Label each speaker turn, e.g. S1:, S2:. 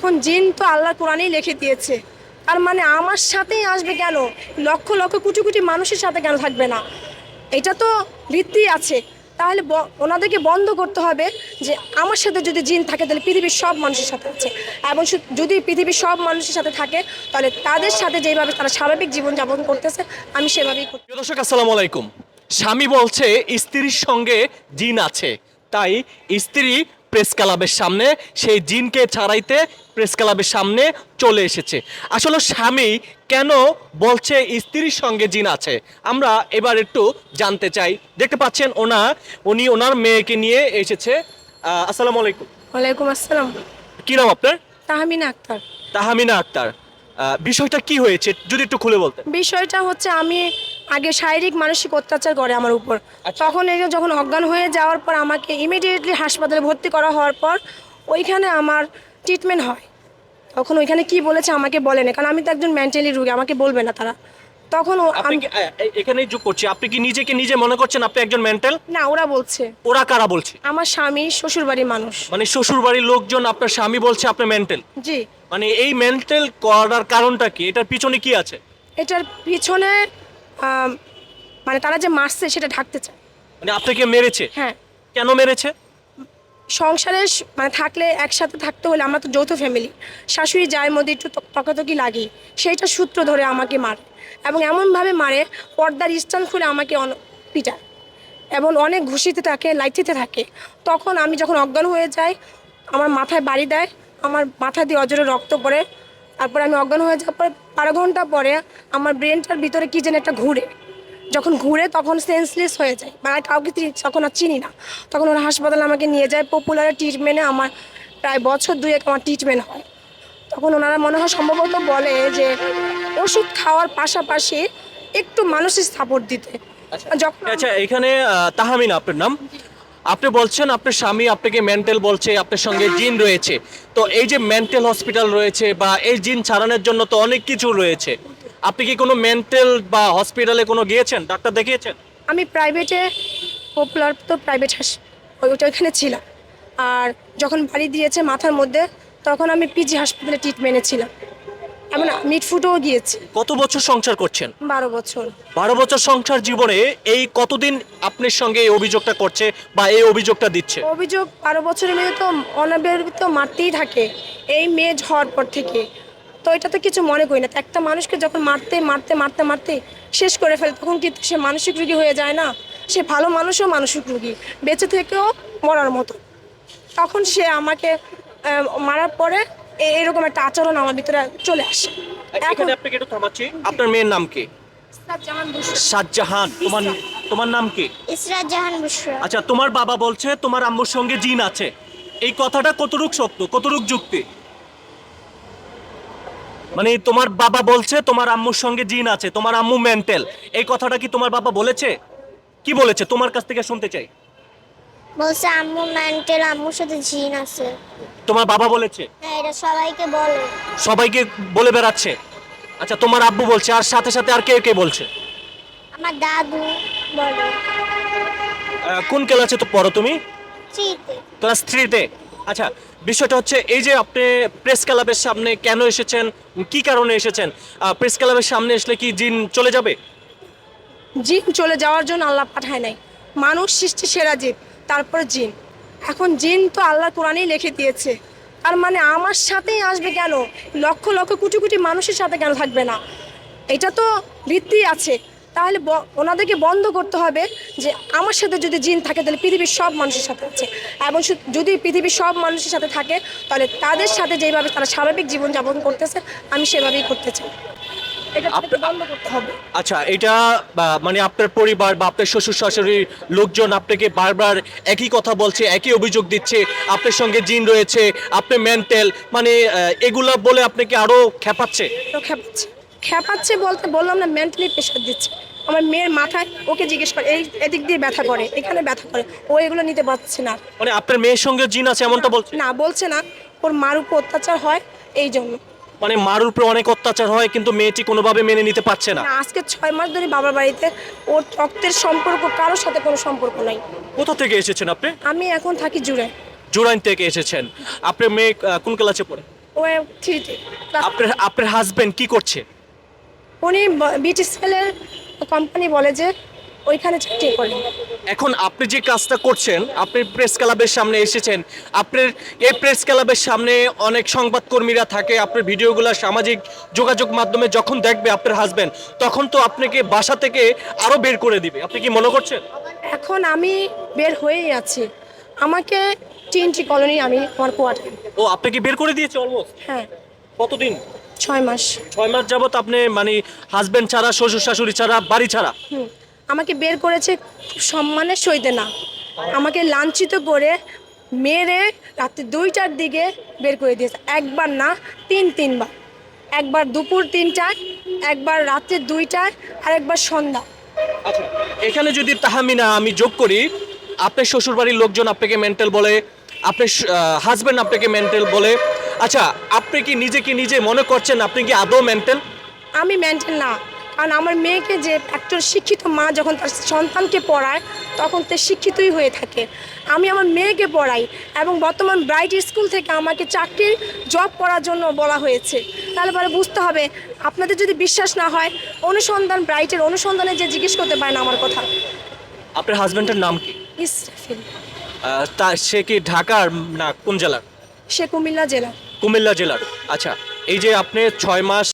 S1: এখন জিন তো আল্লাহর কোরআনেই লিখে দিয়েছে, তার মানে আমার সাথেই আসবে কেন? লক্ষ লক্ষ কোটি কোটি মানুষের সাথে কেন থাকবে না? এটা তো ভিত্তি আছে। তাহলে ওনাদেরকে বন্ধ করতে হবে যে আমার সাথে যদি জিন থাকে তাহলে পৃথিবীর সব মানুষের সাথে আছে, এবং যদি পৃথিবীর সব মানুষের সাথে থাকে তাহলে তাদের সাথে যেভাবে তারা স্বাভাবিক জীবনযাপন করতেছে আমি সেভাবেই করতে।
S2: প্রিয় দর্শক, আসসালামু আলাইকুম। স্বামী বলছে স্ত্রীর সঙ্গে জিন আছে, তাই স্ত্রী প্রেস ক্লাবের সামনে সেই জিনকে ছাড়াইতে প্রেস ক্লাবের সামনে চলে এসেছে। আসলে স্বামী কেন বলছে স্ত্রীর সঙ্গে জিন আছে, আমরা এবার একটু জানতে চাই। দেখতে পাচ্ছেন উনি ওনার মেয়েকে নিয়ে এসেছে। আসসালামু আলাইকুম।
S1: ওয়ালাইকুম আসসালাম।
S2: কি নাম আপনার?
S1: তাহমিনা আক্তার।
S2: তাহমিনা আক্তার। বিষয়টা কি হয়েছে যদি একটু খুলে বলতেন।
S1: বিষয়টা হচ্ছে আমি আগে শারীরিক মানসিক অত্যাচার করে আমার উপর।
S2: আচ্ছা।
S1: তখন এই যে যখন অজ্ঞান হয়ে যাওয়ার পর আমাকে ইমিডিয়েটলি হাসপাতালে ভর্তি করা হওয়ার পর ওইখানে আমার ট্রিটমেন্ট হয়। তখন ওইখানে কি বলেছে আমাকে বলে না, কারণ আমি তো একজন মেন্টালি রোগী, আমাকে বলবে না তারা। তখন
S2: আপনি কি এখানেই যোগ করছি, আপনি কি নিজেকে নিজে মনে করছেন আপনি একজন মেন্টাল?
S1: না, ওরা বলছে,
S2: ওরা কারা বলছে?
S1: আমার স্বামী শ্বশুরবাড়ির মানুষ।
S2: মানে শ্বশুর বাড়ির লোকজন আপনার স্বামী বলছে আপনি মেন্টাল?
S1: জি।
S2: মানে এই মেন্টাল করার কারণটা কি, এটার পিছনে কি আছে?
S1: এটার পিছনে আম, মানে তারা যে মারছে সেটা ঢাকতে চায়।
S2: মানে আপনাকে মেরেছে?
S1: হ্যাঁ।
S2: কেন মেরেছে?
S1: সংসারে মানে থাকলে একসাথে থাকতে হলে, আমরা তো যৌথ ফ্যামিলি, শাশুড়ি জায়ের মধ্যে একটু তকাতকি লাগে, সেইটা সূত্র ধরে আমাকে মারে এবং এমনভাবে মারে পর্দার স্ট্যান্ড খুলে আমাকে পিটায় এবং অনেক ঘুষিতে থাকে, লাইটিতে থাকে। তখন আমি যখন অজ্ঞান হয়ে যাই আমার মাথায় বাড়ি দেয়, আমার মাথা দিয়ে অজরে রক্ত পড়ে। তারপরে আমি অজ্ঞান হয়ে যাওয়ার পরে 12 ঘন্টা পরে আমার ব্রেনটার ভিতরে কী যেন একটা ঘুরে, যখন ঘুরে তখন সেন্সলেস হয়ে যায়, মানে কাউকে তখন আর চিনি না। তখন ওরা হাসপাতালে আমাকে নিয়ে যায়, পপুলারের ট্রিটমেন্টে আমার প্রায় বছর দুয়েক আমার ট্রিটমেন্ট হয়। তখন ওনারা মনে হয় সম্ভবত বলে যে ওষুধ খাওয়ার পাশাপাশি একটু মানসিক সাপোর্ট দিতে। যখন
S2: আচ্ছা, এখানে তাহমিনা আপনার নাম, আপনি বলছেন আপনার স্বামী আপনাকে মেন্টাল বলছে, আপনার সঙ্গে জিন রয়েছে। তো এই যে মেন্টাল হসপিটাল রয়েছে বা এই জিন ছাড়ানোর জন্য তো অনেক কিছু রয়েছে, আপনি কি কোনো মেন্টাল বা হসপিটালে কোনো গিয়েছেন, ডাক্তার দেখিয়েছেন?
S1: আমি প্রাইভেটে, পপুলার তো প্রাইভেট ওইখানে ছিলাম। আর যখন বাড়ি দিয়েছে মাথার মধ্যে তখন আমি পিজি হাসপাতালে ট্রিটমেন্টে ছিলাম, এমন মিটফুটও গিয়েছি।
S2: কত বছর সংসার করছেন?
S1: 12 বছর।
S2: 12 বছর সংসার জীবনে এই কতদিন আপনার সঙ্গে এই অভিযোগটা করছে বা এই অভিযোগটা দিচ্ছে?
S1: অভিযোগ 12 বছরের মেয়ে তো অনবরত মারতেই থাকে, এই মেয়ে হওয়ার পর থেকে। তো এটা তো কিছু মনে করি না, তো একটা মানুষকে যখন মারতে মারতে মারতে মারতে শেষ করে ফেলে তখন কি সে মানসিক রোগী হয়ে যায় না? সে ভালো মানুষও মানসিক রোগী, বেঁচে থেকেও মরার মতো। তখন সে আমাকে মারার পরে এরকম একটা আচরণ আমার ভিতরে চলে আসে। এখন
S2: এখানে আপনাকে একটু থামাচ্ছি, আপনার মেয়ের নাম কি?
S1: জাহান বুশরা।
S2: শাহজাহান। তোমার তোমার নাম কি?
S3: ইসরাত জাহান বুশরা।
S2: আচ্ছা, তোমার বাবা বলছে তোমার আম্মুর সঙ্গে জিন আছে, এই কথাটা কতটুক সত্য, কতটুক যুক্তি? মানে তোমার বাবা বলছে তোমার আম্মুর সঙ্গে জিন আছে, তোমার আম্মু মেন্টাল, এই কথাটা কি তোমার বাবা বলেছে? কি বলেছে তোমার কাছ থেকে শুনতে চাই।
S3: বলছে আম্মু মেন্টাল, আম্মুর সাথে জিন আছে।
S2: তোমার বাবা বলেছে?
S3: হ্যাঁ, এটা সবাইকে বলে।
S2: সবাইকে বলে বেড়াচ্ছে? আচ্ছা, তোমার আব্বু বলছে, আর সাথে সাথে আর কে কে বলছে?
S3: আমার দাদু বলে।
S2: কোন ক্লাসে তো পড়ো তুমি?
S3: চিতে।
S2: ক্লাস 3-তে। আচ্ছা, বিষয়টা হচ্ছে এই যে আপনি প্রেস ক্লাবের সামনে কেন এসেছেন, কি কারণে এসেছেন? প্রেস ক্লাবের সামনে আসলে কি জিন চলে যাবে?
S1: জিন চলে যাওয়ার জন্য আল্লাহ পাঠায় নাই, মানুষ সৃষ্টি সেরা জীব, তারপরে জিন। এখন জিন তো আল্লাহর কোরআনেই লিখে দিয়েছে, তার মানে আমার সাথেই আসবে কেন? লক্ষ লক্ষ কোটি কোটি মানুষের সাথে কেন থাকবে না? এটা তো ভিত্তি আছে। তাহলে ওনাদেরকে বন্ধ করতে হবে যে আমার সাথে যদি জিন থাকে তাহলে পৃথিবীর সব মানুষের সাথে আছে, এবং যদি পৃথিবীর সব মানুষের সাথে থাকে তাহলে তাদের সাথে যেভাবে তারা স্বাভাবিক জীবনযাপন করতেছে আমি সেভাবেই করতে চাই। এটা বন্ধ করতে হবে।
S2: আচ্ছা, এটা মানে আপনার পরিবার বা আপনার শ্বশুর শাশুড়ির লোকজন আপনাকে বারবার একই কথা বলছে, একই অভিযোগ দিচ্ছে, আপনার সঙ্গে জিন রয়েছে, আপনি মেন্টাল, মানে এগুলা বলে আপনাকে আরো খেপাচ্ছে?
S1: তো খেপাচ্ছে, খেপাচ্ছে বলতে বললাম না, মেন্টালি প্রেশার দিচ্ছে। আমার মেয়ের মাথায়, ওকে জিজ্ঞেস করে, এদিক দিয়ে ব্যথা করে, এখানে ব্যথা করে, ও এগুলো নিতে পারছে না।
S2: মানে আপনার মেয়ের সঙ্গে জিন আছে এমনটা বলছে?
S1: না, বলছে না, ওর মার উপর অত্যাচার হয় এই জন্য।
S2: মানে মার উপরে অনেক অত্যাচার হয় কিন্তু মেয়েটি কোনোভাবে মেনে নিতে পারছে না?
S1: না, আজকে 6 মাস ধরে বাবার বাড়িতে, ওর রক্তের সম্পর্ক কারোর সাথে কোনো সম্পর্ক নাই।
S2: কোথা থেকে এসেছেন আপনি?
S1: আমি এখন থাকি জুড়ে।
S2: জুরাইন থেকে এসেছেন। আপনার মেয়ে কোন ক্লাসে পড়ে?
S1: ও 3-তে।
S2: আপনার আপনার হাজবেন্ড কি করছে?
S1: উনি বিটিসিএলের কোম্পানি বলে যে ওইখানে চাকরি করেন।
S2: এখন আপনি যে কাজটা করছেন, আপনি প্রেস ক্লাবের সামনে এসেছেন, আপনার এই প্রেস ক্লাবের সামনে অনেক সংবাদকর্মীরা থাকে, আপনার ভিডিওগুলো সামাজিক যোগাযোগ মাধ্যমে যখন দেখবে আপনার হাজবেন্ড, তখন তো আপনাকে বাসা থেকে আরো বের করে দিবে, আপনি কি মনে করছেন?
S1: এখন আমি বের হয়েই আছি, আমাকে টিএনটি কলোনি আমি আমার কোয়ার্টার।
S2: ও আপনাকে বের করে দিয়েছে অলমোস্ট?
S1: হ্যাঁ,
S2: কতদিন?
S1: 6 মাস।
S2: 6 মাস যাবত আপনি মানে হাজবেন্ড ছাড়া, শ্বশুর শাশুড়ি ছাড়া, বাড়ি ছাড়া?
S1: আমাকে বের করেছে খুব সম্মানের সহিত না, আমাকে লাঞ্ছিত করে মেরে রাত্রি 2টার দিকে বের করে দিয়েছে। একবার না, 3বার। একবার দুপুর 3টায়, একবার রাত্রি 2টায়, আর একবার সন্ধ্যা।
S2: আচ্ছা, এখানে যদি তাহমিনা আমি যোগ করি, আপনার শ্বশুরবাড়ির লোকজন আপনাকে মেন্টাল বলে, আপনার হাজবেন্ড আপনাকে মেন্টাল বলে। আচ্ছা, আপনি কি নিজেকে নিজে মনে করছেন আপনি কি আদৌ মেন্টাল?
S1: আমি মেন্টাল না, কারণ আমার মেয়েকে যে একজন শিক্ষিত মা যখন তার সন্তানকে পড়ায় তখন সে শিক্ষিতই হয়ে থাকে। আমি আমার মেয়েকে পড়াই এবং বর্তমান ব্রাইট স্কুল থেকে আমাকে চাকরির জব করার জন্য বলা হয়েছে। তাহলে পরে বুঝতে হবে, আপনাদের যদি বিশ্বাস না হয় ব্রাইটের অনুসন্ধানে যে জিজ্ঞেস করতে পারেন আমার কথা।
S2: আপনার হাজবেন্ডের নাম কি?
S1: ইসরাফিল।
S2: তা সে কি ঢাকার না কোন জেলার?
S1: সে কুমিল্লা জেলা।
S2: কুমিল্লা জেলার। আচ্ছা, এই যে আপনি 6 মাস